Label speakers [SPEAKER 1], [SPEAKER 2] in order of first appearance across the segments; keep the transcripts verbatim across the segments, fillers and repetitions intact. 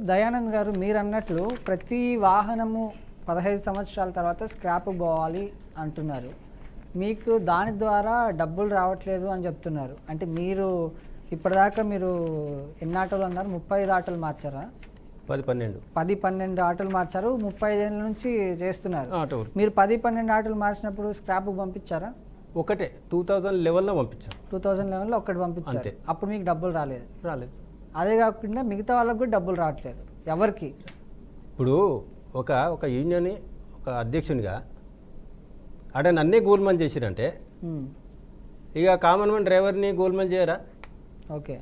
[SPEAKER 1] దయానంద్ గారు మీరు అన్నట్లు ప్రతి వాహనము పదహైదు సంవత్సరాల తర్వాత స్క్రాప్ పోవాలి అంటున్నారు. మీకు దాని ద్వారా డబ్బులు రావట్లేదు అని చెప్తున్నారు. అంటే మీరు ఇప్పటిదాకా మీరు ఎన్ని ఆటోలు అన్నారు? ముప్పై ఐదు ఆటోలు మార్చారా?
[SPEAKER 2] పది పన్నెండు
[SPEAKER 1] పది పన్నెండు ఆటోలు మార్చారు. ముప్పై ఐదేళ్ళ నుంచి చేస్తున్నారు. మీరు పది పన్నెండు ఆటోలు మార్చినప్పుడు స్క్రాప్ పంపించారా?
[SPEAKER 2] ఒకటే టూ థౌజండ్ లెవెన్లో పంపించాం.
[SPEAKER 1] టూ థౌజండ్ లెవెన్లో ఒకటి పంపించారు. అప్పుడు మీకు డబ్బులు రాలేదు?
[SPEAKER 2] రాలేదు.
[SPEAKER 1] అదే కాకుండా మిగతా వాళ్ళకు కూడా డబ్బులు రావట్లేదు. ఎవరికి?
[SPEAKER 2] ఇప్పుడు ఒక ఒక యూనియన్ ఒక అధ్యక్షునిగా అక్కడ నన్నే గోల్మాన్ చేసిరంటే ఇక కామన్ మ్యాన్ డ్రైవర్ని గోల్మాన్ చేయరా?
[SPEAKER 1] ఓకే,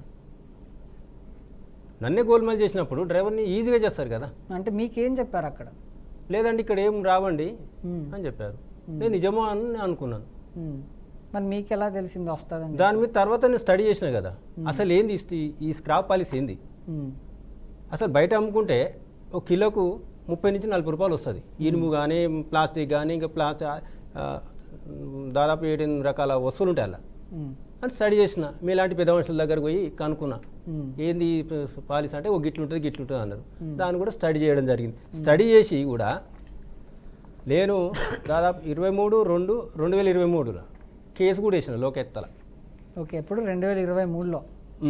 [SPEAKER 2] నన్నే గోల్మాల్ చేసినప్పుడు డ్రైవర్ని ఈజీగా చేస్తారు కదా.
[SPEAKER 1] అంటే మీకేం చెప్పారు అక్కడ?
[SPEAKER 2] లేదండి ఇక్కడ ఏం రావండి అని చెప్పారు. నేను నిజమో అని అనుకున్నాను.
[SPEAKER 1] మరి మీకు ఎలా తెలిసింది వస్తుందని?
[SPEAKER 2] దాని మీద తర్వాత నేను స్టడీ చేసిన కదా, అసలు ఏంది ఈ స్క్రాప్ పాలసీ ఏంది. అసలు బయట అమ్ముకుంటే ఒక కిలోకు ముప్పై నుంచి నలభై రూపాయలు వస్తుంది. ఇనుము కానీ ప్లాస్టిక్ కానీ ఇంకా ప్లాస్టిక్ దాదాపు ఏడెనిమిది రకాల వస్తువులు ఉంటాయి అలా అని స్టడీ చేసిన. మీలాంటి పెద్ద మనుషుల దగ్గరకు పోయి కనుక్కున్నా ఏంది పాలసీ అంటే ఒక గిట్లు ఉంటుంది గిట్లు ఉంటుంది అన్నారు. దాన్ని కూడా స్టడీ చేయడం జరిగింది. స్టడీ చేసి కూడా నేను దాదాపు ఇరవై మూడు రెండు రెండు వేల ఇరవై మూడులో కేసు కూడా వేసిన లోకెత్తల.
[SPEAKER 1] ఓకే, ఎప్పుడు? రెండు వేల ఇరవై మూడులో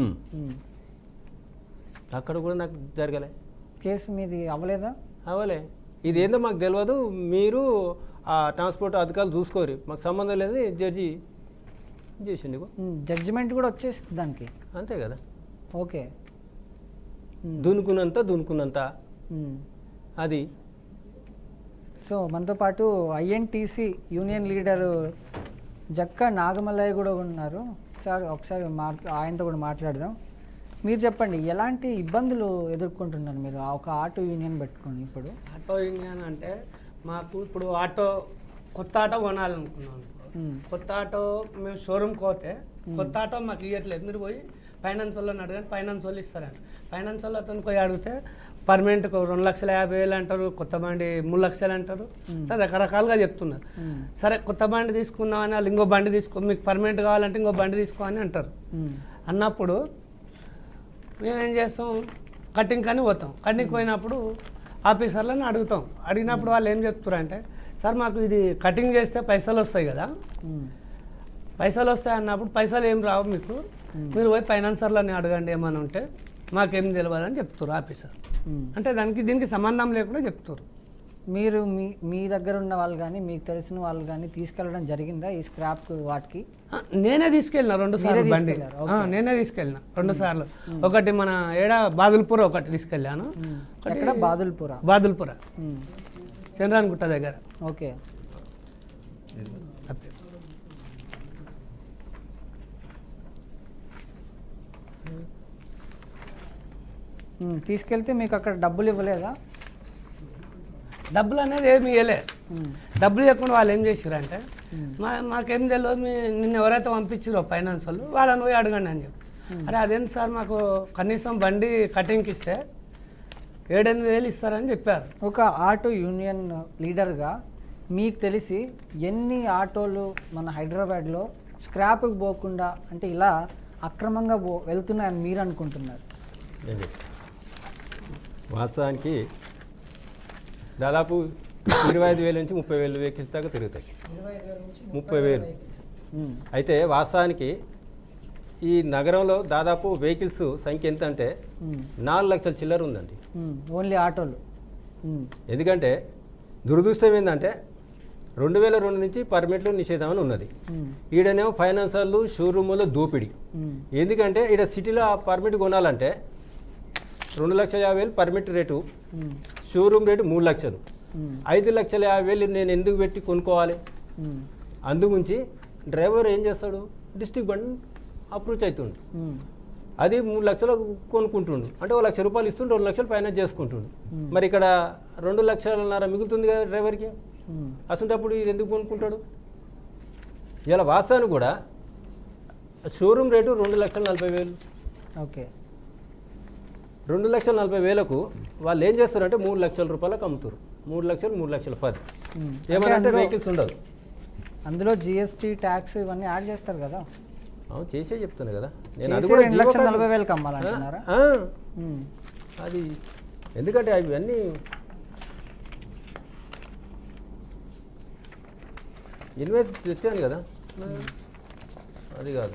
[SPEAKER 2] అక్కడ కూడా నాకు జరగలే.
[SPEAKER 1] కేసు మీది అవ్వలేదా?
[SPEAKER 2] అవ్వలే. ఇది ఏందో మాకు తెలియదు, మీరు ఆ ట్రాన్స్పోర్ట్ అధికారులు చూసుకోరు, మాకు సంబంధం లేదు జడ్జి చేసిండు.
[SPEAKER 1] జడ్జిమెంట్ కూడా వచ్చేసింది దానికి,
[SPEAKER 2] అంతే కదా.
[SPEAKER 1] ఓకే,
[SPEAKER 2] దునుకున్నంత దునుకున్నంత అది.
[SPEAKER 1] సో మనతో పాటు INTC union leader Jakka Nagamallaiah కూడా ఉన్నారు. సార్ ఒకసారి మాట్లా ఆయనతో కూడా మాట్లాడదాం. మీరు చెప్పండి, ఎలాంటి ఇబ్బందులు ఎదుర్కొంటున్నారు మీరు ఒక ఆటో యూనియన్ పెట్టుకొని? ఇప్పుడు
[SPEAKER 3] ఆటో యూనియన్ అంటే మాకు ఇప్పుడు ఆటో కొత్త ఆటో కొనాలనుకున్నాం. కొత్త ఆటో మేము షోరూమ్కి పోతే కొత్త ఆటో మాకు ఇవ్వట్లేదు. మీరు పోయి ఫైనాన్స్ వాళ్ళని అడగండి, ఫైనాన్స్ వాళ్ళు ఇస్తారంట. ఫైనాన్స్ వాళ్ళు అతను పోయి అడిగితే పర్మనెంట్కి రెండు లక్షల యాభై వేలు అంటారు, కొత్త బండి మూడు లక్షలు అంటారు, రకరకాలుగా చెప్తున్నారు. సరే కొత్త బండి తీసుకుందామని వాళ్ళు ఇంకో బండి తీసుకో, మీకు పర్మనెంట్ కావాలంటే ఇంకో బండి తీసుకో అని అంటారు. అన్నప్పుడు మేమేం చేస్తాం, కటింగ్ కానీ పోతాం. కటింగ్ పోయినప్పుడు ఆఫీసర్లను అడుగుతాం. అడిగినప్పుడు వాళ్ళు ఏం చెప్తారు అంటే, సార్ మాకు ఇది కటింగ్ చేస్తే పైసలు వస్తాయి కదా, పైసలు వస్తాయి అన్నప్పుడు పైసలు ఏం రావు మీకు, మీరు పోయి ఫైనాన్సర్లని అడగండి ఏమైనా ఉంటే, మాకేం తెలియదని చెప్తారు ఆఫీసర్. అంటే దానికి దీనికి సంబంధం లేకుండా చెప్తారు.
[SPEAKER 1] మీరు మీ మీ దగ్గర ఉన్న వాళ్ళు కానీ మీకు తెలిసిన వాళ్ళు కానీ తీసుకెళ్ళడం జరిగిందా ఈ స్క్రాప్ వాటికి?
[SPEAKER 3] నేనే తీసుకెళ్ళిన రెండు సార్లు బండి, నేనే తీసుకెళ్ళిన రెండు సార్లు. ఒకటి మన ఏడా బాదుల్పుర ఒకటి తీసుకెళ్ళాను.
[SPEAKER 1] ఎక్కడ? బాదుల్పుర.
[SPEAKER 3] బాదుల్పుర చంద్రాన్గుట్ట దగ్గర.
[SPEAKER 1] ఓకే, తీసుకెళ్తే మీకు అక్కడ డబ్బులు ఇవ్వలేదా?
[SPEAKER 3] డబ్బులు అనేది ఏమి ఇవ్వలే. డబ్బులు ఇవ్వకుండా వాళ్ళు ఏం చేసారంటే, మా మాకేం తెలియదు, మీ నిన్న ఎవరైతే పంపించారో ఫైనాన్స్ వాళ్ళు వాళ్ళని పోయి అడగండి అని చెప్పి. అరే అదేంటి సార్, మాకు కనీసం బండి కటింగ్కి ఇస్తే ఏడెనిమిది వేలు ఇస్తారని చెప్పారు.
[SPEAKER 1] ఒక ఆటో యూనియన్ లీడర్గా మీకు తెలిసి ఎన్ని ఆటోలు మన హైదరాబాద్లో స్క్రాప్కి పోకుండా అంటే ఇలా అక్రమంగా పో వెళ్తున్నాయని మీరు అనుకుంటున్నారు?
[SPEAKER 2] వాస్తవానికి దాదాపు ఇరవై ఐదు వేల నుంచి ముప్పై వేలు వెహికల్స్ దాకా తిరుగుతాయి. ముప్పై వేలు అయితే వాస్తవానికి ఈ నగరంలో దాదాపు వెహికల్స్ సంఖ్య ఎంత అంటే నాలుగు లక్షల చిల్లర ఉందండి,
[SPEAKER 1] ఓన్లీ ఆటోలు.
[SPEAKER 2] ఎందుకంటే దురదృష్టం ఏంటంటే రెండు వేల రెండు నుంచి పర్మిట్లు నిషేధం అని ఉన్నది. ఈడనేమో ఫైనాన్సర్లు షోరూములో దోపిడీ. ఎందుకంటే ఈడ సిటీలో ఆ పర్మిట్ కొనాలంటే రెండు లక్షల యాభై వేలు పర్మిట్ రేటు, షోరూమ్ రేటు మూడు లక్షలు. ఐదు లక్షల యాభై వేలు నేను ఎందుకు పెట్టి కొనుక్కోవాలి? అందుగురించి డ్రైవర్ ఏం చేస్తాడు, డిస్ట్రిక్ట్ బండి అప్రోచ్ అవుతుండు, అది మూడు లక్షలు కొనుక్కుంటుండు, అంటే ఒక లక్ష రూపాయలు ఇస్తుండు, రెండు లక్షలు ఫైనాన్స్ చేసుకుంటుండు. మరి ఇక్కడ రెండు లక్షలన్నర మిగులుతుంది కదా డ్రైవర్కి. అసలు ఇది ఎందుకు కొనుక్కుంటాడు? ఇలా వాస్తవానికి కూడా షోరూమ్ రేటు రెండు లక్షల నలభై వేలు.
[SPEAKER 1] ఓకే,
[SPEAKER 2] రెండు లక్షల నలభై వేలకు వాళ్ళు ఏం చేస్తారంటే మూడు లక్షల రూపాయలకు అమ్ముతారు. మూడు లక్షలు మూడు లక్షల పది ఏమంటే వెహికల్స్ ఉండదు.
[SPEAKER 1] అందులో జిఎస్టీ ట్యాక్స్ ఇవన్నీ యాడ్ చేస్తారు కదా.
[SPEAKER 2] అవును, చేసే చెప్తాను కదా నేను.
[SPEAKER 1] అది కూడా రెండు లక్షల నలభై వేలకు అమ్మాలంటున్నారా?
[SPEAKER 2] అది ఎందుకంటే అవన్నీ ఇన్వెస్ట్ తెచ్చాను కదా, అది కాదు.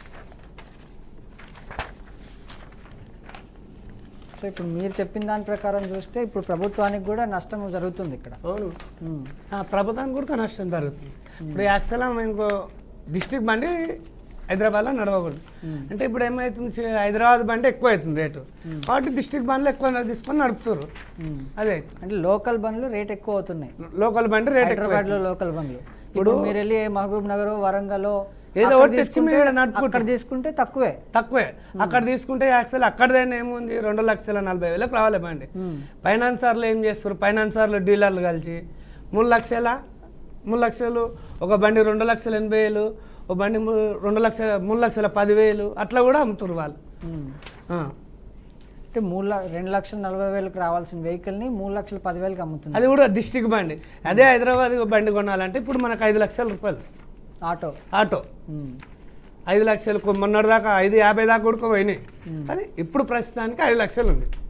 [SPEAKER 1] సో ఇప్పుడు మీరు చెప్పిన దాని ప్రకారం చూస్తే ఇప్పుడు ప్రభుత్వానికి కూడా నష్టం జరుగుతుంది ఇక్కడ.
[SPEAKER 2] అవును,
[SPEAKER 1] ఉమ్,
[SPEAKER 3] ఆ, ప్రభుత్వానికి కూడా నష్టం జరుగుతుంది. ఇప్పుడు యాక్చువల్గా ఇంకో డిస్ట్రిక్ట్ బండి హైదరాబాద్లో నడవకూడదు. అంటే ఇప్పుడు ఏమవుతుంది, చి- హైదరాబాద్ బండి ఎక్కువ అవుతుంది రేటు, కాబట్టి డిస్ట్రిక్ట్ బండ్లు ఎక్కువ తీసుకొని నడుపుతారు.
[SPEAKER 1] ఉమ్.
[SPEAKER 3] అదే
[SPEAKER 1] అంటే లోకల్ బండ్లు రేట్ ఎక్కువ అవుతున్నాయి.
[SPEAKER 3] లోకల్ బండి రేట్ ఎక్కువ
[SPEAKER 1] హైదరాబాద్ లో లోకల్ బండ్లు ఇప్పుడు మీరు వెళ్ళి మహబూబ్ నగర్, వరంగల్
[SPEAKER 3] ఏదో ఒకటి తెచ్చి మీరు నడుపుకుంటారు.
[SPEAKER 1] అక్కడ తీసుకుంటే తక్కువే.
[SPEAKER 3] తక్కువే. అక్కడ తీసుకుంటే యాక్చువల్ అక్కడదైనా ఏముంది, రెండు లక్షల నలభై వేలకు రావాలి బండి.
[SPEAKER 1] ఉమ్,
[SPEAKER 3] ఫైనాన్సర్లు ఏం చేస్తారు, ఫైనాన్సర్లు డీలర్లు కలిసి మూడు లక్షల మూడు లక్షలు ఒక బండి రెండు లక్షల ఎనభై వేలు, ఒక బండి మూ- రెండు లక్షల మూడు లక్షల పదివేలు అట్లా కూడా అమ్ముతారు వాళ్ళు.
[SPEAKER 1] ఉమ్.
[SPEAKER 3] ఆ.
[SPEAKER 1] అంటే మూడు ల- రెండు లక్షల నలభై వేలకు రావాల్సిన వెహికల్ ని మూడు లక్షల పదివేలకు అమ్ముతుంది
[SPEAKER 3] అది కూడా డిస్టిక్ బండి. అదే హైదరాబాద్ బండి కొనాలంటే ఇప్పుడు మనకు ఐదు లక్షల రూపాయలు
[SPEAKER 1] ఆటో.
[SPEAKER 3] ఆటో.
[SPEAKER 1] ఉమ్,
[SPEAKER 3] ఐదు లక్షలు మొన్నటి దాకా ఐదు యాభై దాకా కూడా పోయినాయి, కానీ ఇప్పుడు ప్రస్తుతానికి ఐదు లక్షలు ఉంది.